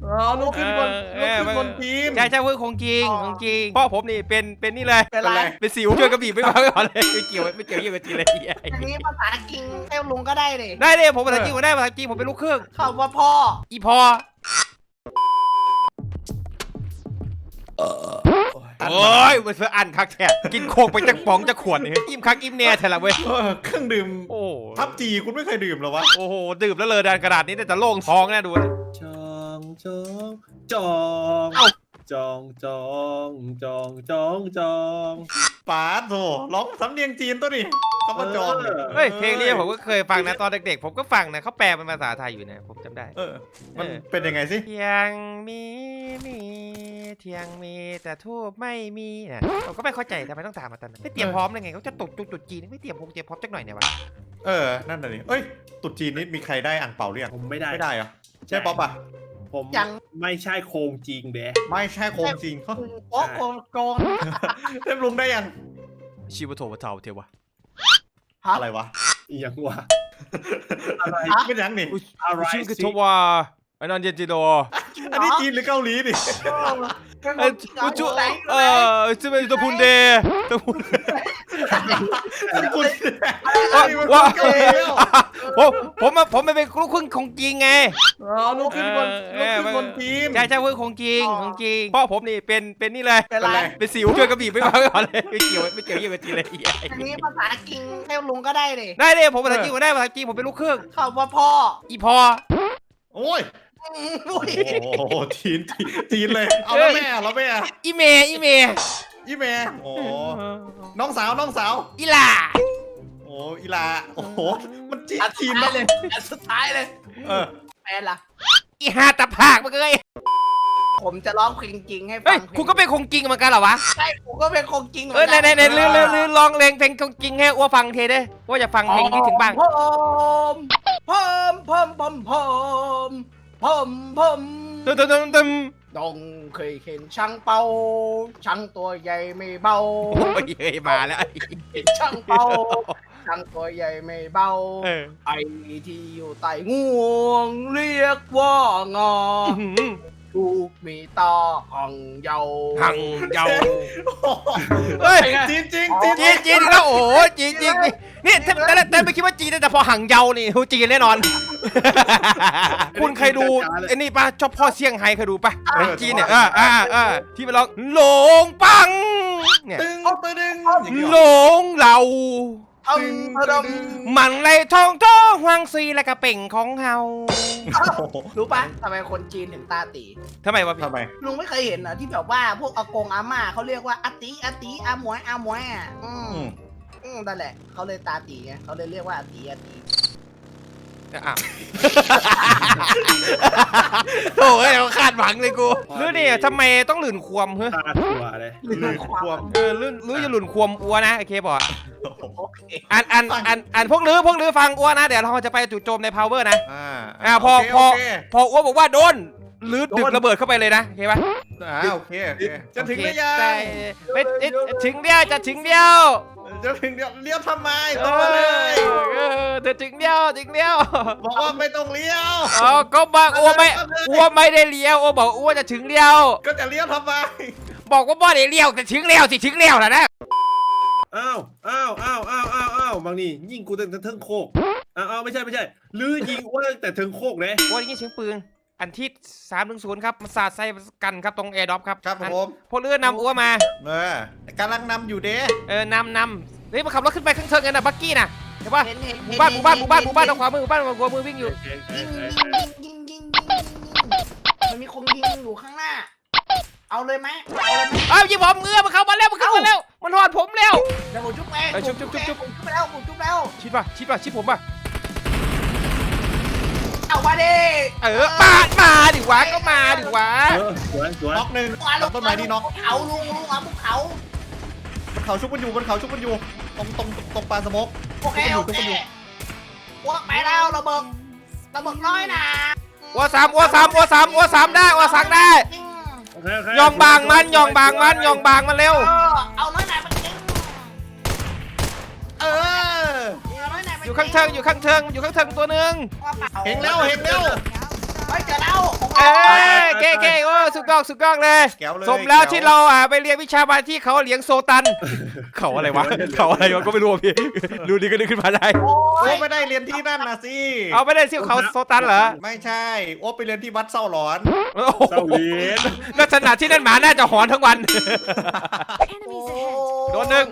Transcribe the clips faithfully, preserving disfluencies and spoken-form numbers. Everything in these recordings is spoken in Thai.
อ๋อลูกขึ้นคนลูกขึ้นคนจีนใช่ใช่เพื่อนคงจริงคงจริงพ่อผมนี่เป็นเป็นนี่เลยเป็นไรเป็นสิวช่วยกระบี่ไม่มาก่อนเลยไม่เกี่ยวไม่เกี่ยวเยี่ยมจีนเลยอันนี้ภาษาจริงเต้าลุงก็ได้เลยได้เลยผมภาษาจีนผมได้ภาษาจีนผมเป็นลูกครึ่งคำว่าพ่ออีพอโอ้ยมันเพื่ออันคักแท้กินโคกไปจากป๋องจากขวดนี่อิ่มคักอิ่มแน่แท้ละเว้ยเครื่องดื่มโอ้ทับจีคุณไม่เคยดื่มหรอวะโอ้โหดื่มแล้วเลยดันกระดาษนี้แต่โล่งท้องแน่ดูจองจองจอง จองจองจองจองจองป๋าโถร้องสำเนียงจีนตัวนี้คำว่าจองเฮ้ยเพลงนี้ผมก็เคยฟังนะตอนเด็กๆผมก็ฟังนะเขาแปลเป็นภาษาไทยอยู่นะผมจำได้เออมันเป็นยังไงสิเทียงมีมีเทียงมีแต่ทูบไม่มีนะผมก็ไม่เข้าใจทำไมต้องถามมาตอนนั้นไม่เตรียมพร้อมเลยไงเขาจะตกจุดจุดจีนไม่เตรียมพงเตรียมพร้อมจักหน่อยเนี่ยวะเออนั่นน่ะนี่เอ้ยตุดจีนนี่มีใครได้อ่างเปาหรือยังผมไม่ได้ไม่ได้เหรอใช่ป๊อปอ่ะผมยังไม่ใช่โคงจริงเด้ไม่ใช่โคงจริงโอ้โกงโกงเต็มลุงได้ยังชีวโทวะเทาเทวะอะไรวะยังวะอะไรเป็นยังนี่อะไรชื่อคือทวาอันนั้นเจจิโดอันนี้จีนหรือเกาหลีนี่เออจุเออจะเป็นตัวพุนเดตัวพุนว่าผมผมผมไม่เป็นลูกครึ่งของจริงไงอ๋อลูกครึ่งคนลูกครึ่งคนจีนใช่ใช่เพื่อนของจริงของจริงพ่อผมนี่เป็นเป็นนี่เลยเป็นไรเป็นสิวช่วยกระบี่ไม่มาก่อนเลยไม่เกี่ยวไม่เกี่ยวเยี่ยมจีนเลยอันนี้ภาษาจริงเต้าลุงก็ได้เลยได้เลยผมภาษาจีนผมได้ภาษาจีนผมเป็นลูกครึ่งคำว่าพ่ออีพอโอ้ยโอ้โหจีนจีนเลยเอาแล้วแม่แล้วแม่อีเมอีเมอีเมโอ้น้องสาวน้องสาวอีลาโอ้อีลาโอ้โหมันจีนจีนเลยอันสุดท้ายเลยเออแฟนล่ะอีฮาตะภาคมาเลยผมจะร้องเพลงจริงให้ฟังคุณก็เป็นคงจริงเหมือนกันเหรอวะใช่ผมก็เป็นคงจริงเหมือนกันเออไหนไหนลืมลืมลืมลองเพลงเพลงคงจริงให้อ้วฟังเทได้ว่าจะฟังเพลงที่ถึงบ้างพอมพอมพอมพอมพอมพอมพอมตึมตึมตึมดงเคยเห็นช่างเป่าช่างตัวใหญ่ไม่เบาโอ้ยเฮ้ยมาแล้วเห็นช่างเป่าช่างตัวใหญ่ไม่เบาไอ้ที่อยู่ใต้งวงเรียกว่างอถูกมีตาหังเยาหังเยาเฮ้ยจีนจริงจีนจีนจีนแล้วโอ้จีนจริงนี่แต่แต่ไม่คิดว่าจีนแต่พอหังเยานี่ฮูจีนแน่นอนคุณเคยดูไอ้นี่ป่ะชอบพ่อเซี่ยงไฮ้เคยดูป่ะจีนเนี่ยอ่าอ่าอ่าที่มันร้องหลงปังเนี่ยตึงตึงหลงเรามันเลยทองทองหวงซีและกระเป่งของเฮารู้ปะทำไมคนจีนถึงตาตีทำไมวะทำไมลุงไม่เคยเห็นเหรอที่แบบว่าพวกอากงอาม่าเขาเรียกว่าอาติอาติอาหมวยอาหมวยอ่ะอืมอืมนั่นแหละเขาเลยตาตีไงเขาเลยเรียกว่าอาติอาติอ้าวโอ้ยเขาคาดหวังเลยกูรู้ดิทำไมต้องหลื่นควมเฮ้ยคาดหัวเลยหลื่นควมเออลื่นลื่นจะหลื่นควมอัวนะโอเคบอกอันอันอันอันพวกลื้อพวกลื้อฟังอัวนะเดี๋ยวเราจะไปจู่โจมใน power นะอ่าอ่าพอพอพออัวบอกว่าโดนลื้อดึกระเบิดเข้าไปเลยนะโอเคปะอ่าโอเคโอเคจะถึงได้ยังไปถึงเดียวจะถึงเดียวจะถึงเดียวเลี้ยวทำไมตรงมาเลยเออเธอถึงเดียวถึงเดียวบอกว่าไม่ต้องเลี้ยวอ๋อก็บอกอ้วไม่อ้วไม่ได้เลี้ยวอ้วบอกอ้วจะถึงเดียวก็จะเลี้ยวทำไมบอกว่าบ่ได้เลี้ยวแต่ถึงเลี้ยวสิถึงเลี้ยวแล้วนะอ้าวอ้าวอ้าวอ้าวอ้าวอ้าวบางนี่ยิงกูแต่เทิงโคกอ้าวไม่ใช่ไม่ใช่ลื้อยิงอ้วแต่เทิงโคกเลยอ้วยิงเสียงปืนอันที่สามหนึ่งศูนย์ครับมาสาดใส่กันครับตรงแอร์ดรอปครับครับผมพวกเรือนำอ้วมาเออกำลังนำอยู่เด้เออนำนำเฮ้ยมาขับรถขึ้นไปข้างเทิงกันนะบักกี้นะเห็นปะหมู่บ้านหมู่บ้านหมู่บ้านหมู่บ้านทางขวามือหมู่บ้านทางขวามือวิ่งอยู่ยิงยิงยิงยิงยิงมันมีคนยิงอยู่ข้างหน้าเอาเลยไหมเอาเลยไหมอ้าวยิงผมเงือมันเข้ามาแล้วมันเข้ามาแล้วมันหอดผมแล้วเดี๋ยวผมจุ๊บเองจุ๊บจุ๊บจุ๊บจุ๊บผมจุ๊บแล้วผมจุ๊บแล้วชิดป่ะชิดป่ะชิดผมป่ะเอามาดิเออมามาดิวะก็มาดิวะสวยสวยน็อกหนึ่งต้นไม้นี่น็อกเขาลุงลุงเอาพวกเขาบนเขาชุบกันอยู่บนเขาชุบกันอยู่ตรงตรงตรงปลาสมกโอเคโอเคพวกไปแล้วระเบิดระเบิดน้อยนะวัวสามวัวสามวัวสามวัวสามได้วัวสั่งได้ยองบางมันยองบางมันยองบางมันเร็วเอาน้อยหน่อยมันจริงเอออยู่ข้างเทิงอยู่ข้างเทิงอยู่ข้างเทิงตัวหนึ่งเห็นแล้วเห็นแล้วเฮ้ยเจอแล้วเอ้ยเก็สุดยอดสุดยอดเลยแก้วเลยสมแล้วก้ที่เราอ่ะไปเรียนวิชามาที่เขาเหลียงโซตัน เขาอะไรวะเขาอะไรวะก็ไม่รู้อะพี่ดูดีก็นึกขึ้นมาได้โอ้โอ้ยไม่ได้เรียนที่นั่นนะสิเอาไม่ได้ซิ่วเขาโซตันเหรอไม่ใช่โอ้ไปเรียนที่วัดเศร้าหลอนโอ้โหเศร้าเลียนลักษณะที่นั่นหมาน่าจะหอนทั้งวัน Enemies ahead. โดนหนึ่ง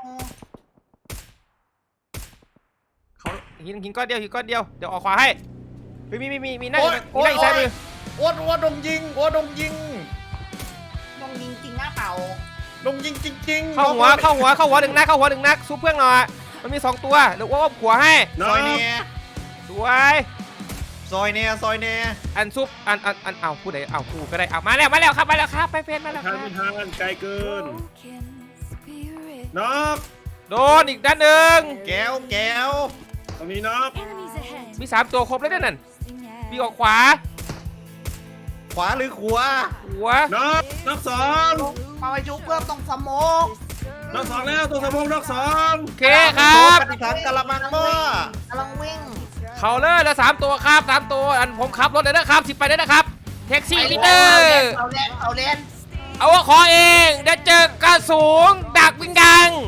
เขาหินหินก้อนเดียวหินก้อนเดียวเดี๋ยวออกขวาให้เฮ้ยมีมีมีมีนั่งโอ๊ยมีนั่งอีกซ้ายมือโอ้โอ้ดงยิงโอ้ดงยิงต้องยิงจริงหน้าเปล่าดงยิงจริงๆเข้าหัวเข้าหัวเข้าหัวหนึ่งนัดเข้าหัวหนึ่งนัดซุปเพื่อนหน่อยมันมีสองตัวเดี๋ยวว่าหัวให้ซอยเนียสวยซอยเนียซอยเนียอันซุปอันอันอันเอาพูดไหนเอากูก็ได้เอามาแล้วมาแล้วครับมาแล้วครับไปเฟนมาแล้วคทารันบไม่ทานไกลเกิน Broken spirit. นอกโดนอีกด้านหนึ่งแก้วแก้วตรงนี้นอก Enemies ahead. มีสามตัวครบแล้วนั่นมีออกขวาขวาหรือขวาหัวนอกนอกสองเอาไปชุบเพื่อต้องสโมกนอกสองแล้วตัวสมองนอกสองโอเคครับปฏิถังกะละมังหม้อกำลังวิ่งเขาเลยแล้วสามตัวครับสามตัวอันผมขับรถเลยนะครับสิบไปเลยนะครับแท็กซี่ลีดเดอร์เอาเล่นเอาเล่นเอาว่าขอเองเดี๋ยวเจอกระสูงดักวิ่งดัง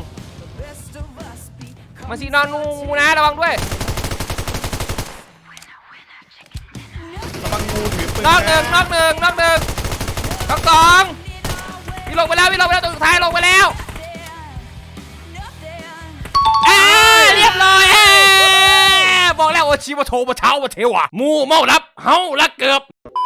มาสีนอนนูนะระวังด้วยระวังงูถือปืนนอกหนึ่งนอกหนึ่งนอกหนึ่งนอกสองพี่ลงไปแล้วพี่ลงไปแล้วตัวสุดท้ายลงไปแล้วเอ้ยเรียบร้อยเอ้ยบอกแล้วว่าชีวโทมาเช้ามาเทวะมูเมารับเฮาละเกือบ